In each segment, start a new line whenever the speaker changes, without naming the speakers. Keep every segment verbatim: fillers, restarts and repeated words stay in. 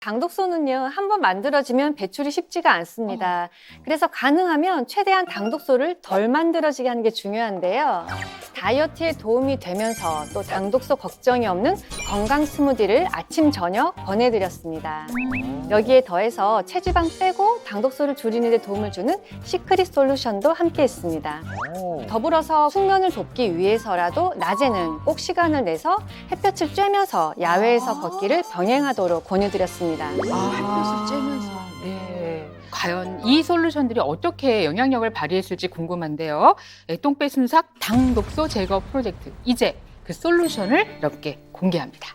당독소는요, 한번 만들어지면 배출이 쉽지가 않습니다. 그래서 가능하면 최대한 당독소를 덜 만들어지게 하는 게 중요한데요. 다이어트에 도움이 되면서 또 당독소 걱정이 없는 건강 스무디를 아침, 저녁 권해드렸습니다. 여기에 더해서 체지방 빼고 당독소를 줄이는 데 도움을 주는 시크릿 솔루션도 함께 했습니다. 더불어서 숙면을 돕기 위해서라도 낮에는 꼭 시간을 내서 햇볕을 쬐면서 야외에서 걷기를 병행하도록 권유드렸습니다.
아, 햇빛을 쬐면서. 네. 과연 이 솔루션들이 어떻게 영향력을 발휘했을지 궁금한데요. 똥배 순삭 당독소 제거 프로젝트. 이제 그 솔루션을 넓게 공개합니다.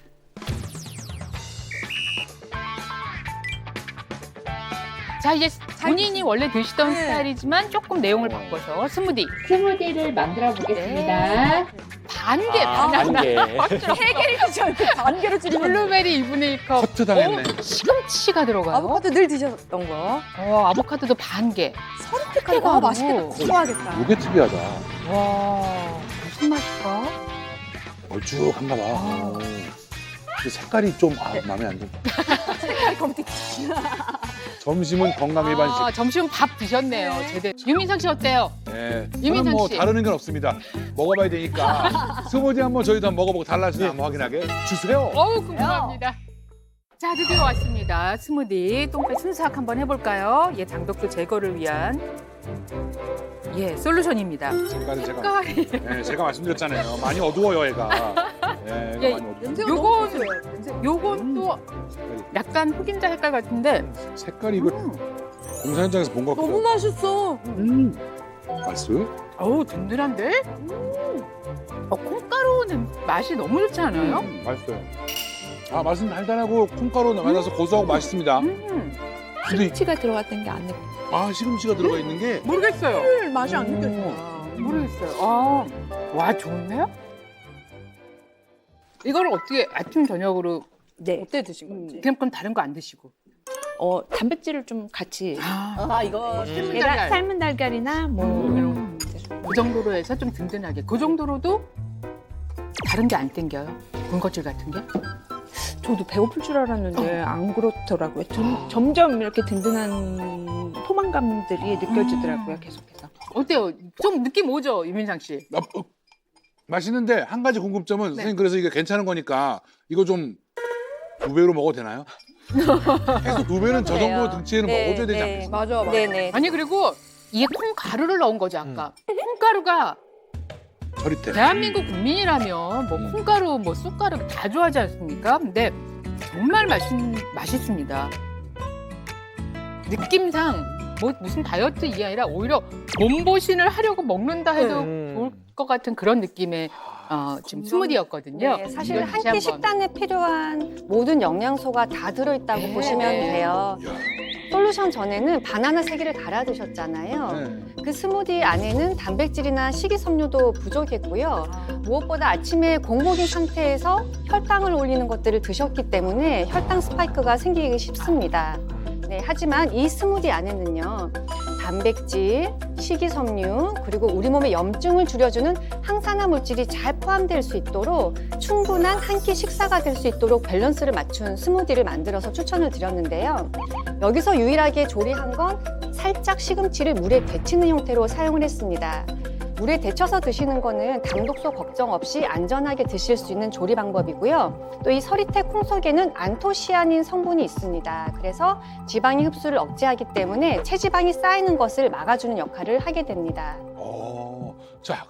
자, 이제 본인이 원래 드시던
네.
스타일이지만 조금 내용을 바꿔서 스무디.
스무디를 만들어 보겠습니다.
반 개,
아,
반
반 개.
세 개를 드지 않고 반 개로 줄이면
블루베리 이분의 일 컵.
커트 당했네.
어, 시금치가 들어가요.
아보카도 늘 드셨던 거.
어, 아보카도도 반 개.
서리태까지 아, 맛있겠다. 좋아하겠다.
이게 특이하다.
와, 무슨 맛일까?
걸쭉한가 봐. 오. 근데 색깔이 좀 아, 마음에 안 든다.
색깔이 검tik.
점심은 건강 일반식.
아, 점심 밥 드셨네요.
네.
제대로. 유민상 씨 어때요?
네.
이민상
저는 뭐
씨.
다른 의견 없습니다. 먹어봐야 되니까 스무디 한번 저희도 한번 먹어보고 달라지나 한번 확인하게 주세요.
어우, 궁금합니다. 자, 드디어 왔습니다. 스무디 똥배 순삭 한번 해볼까요? 예, 당독소 제거를 위한 예 솔루션입니다.
색깔은 제가
색깔이
네, 제가 말씀드렸잖아요. 많이 어두워요, 얘가. 네, 얘가
예,
많이 어두워.
냄새가
요건-
너무 좋아요. 냄새.
요건 또 약간 흑임자 색깔 같은데
색깔이 이거
음.
공사 현장에서 본 것 같고.
너무 맛있어.
음. 맛있어요?
어우, 든든한데? 어, 콩가루는 맛이 너무 좋지 않아요?
음, 맛있어요. 아, 맛은 달달하고 콩가루 만나서 고소하고 맛있습니다.
음,
근데
치가 들어갔던 게 안 느껴.
아, 시금치가 들어가 있는 게
모르겠어요.
술 맛이 안
음.
느껴진다.
모르겠어요. 아, 와, 좋은데요? 이걸 어떻게 아침, 저녁으로
네.
어때 드신 건지.
그냥 그럼 다른 거 안 드시고?
어, 단백질을 좀 같이
아,
아 이거
삶은
계란,
달걀.
삶은 달걀이나 뭐 이런
음, 그 정도로 해서 좀 든든하게. 그 정도로도 다른 게 안 땡겨요? 군것질 같은 게?
저도 배고플 줄 알았는데 안 그렇더라고요. 점, 점점 이렇게 든든한 포만감들이 느껴지더라고요. 계속해서.
어때요? 좀 느낌 오죠, 유민상 씨?
아, 어, 맛있는데 한 가지 궁금점은 선생님 그래서 이게 괜찮은 거니까 이거 좀 두 배로 먹어도 되나요? 계속 두 배는 저 정도 등치에는
네,
먹어줘야 되지
네.
않겠어요?
맞아 맞아.
네네.
아니, 그리고 이게 콩가루를 넣은 거죠, 아까. 콩가루가
저릿해.
대한민국 국민이라면 뭐
음.
콩가루, 뭐 쑥가루 다 좋아하지 않습니까? 근데 정말 맛있, 맛있습니다. 느낌상 뭐 무슨 다이어트 이게 아니라 오히려 몸보신을 하려고 먹는다 해도
음.
좋을 것 같은 그런 느낌의 어, 지금 스무디였거든요.
네, 사실
이걸
한
다시
끼
한번.
식단에 필요한 모든 영양소가 다 들어있다고
네,
보시면
네.
돼요.
이야.
솔루션 전에는 바나나 세 개를 갈아 드셨잖아요.
네.
그 스무디 안에는 단백질이나 식이섬유도 부족했고요. 무엇보다 아침에 공복인 상태에서 혈당을 올리는 것들을 드셨기 때문에 혈당 스파이크가 생기기 쉽습니다. 네, 하지만 이 스무디 안에는요, 단백질, 식이섬유, 그리고 우리 몸의 염증을 줄여주는 항산화 물질이 잘 포함될 수 있도록 충분한 한 끼 식사가 될 수 있도록 밸런스를 맞춘 스무디를 만들어서 추천을 드렸는데요. 여기서 유일하게 조리한 건 살짝 시금치를 물에 데치는 형태로 사용을 했습니다. 물에 데쳐서 드시는 거는 당독소 걱정 없이 안전하게 드실 수 있는 조리 방법이고요. 또 이 서리태 콩 속에는 안토시아닌 성분이 있습니다. 그래서 지방의 흡수를 억제하기 때문에 체지방이 쌓이는 것을 막아주는 역할을 하게 됩니다.
어, 자,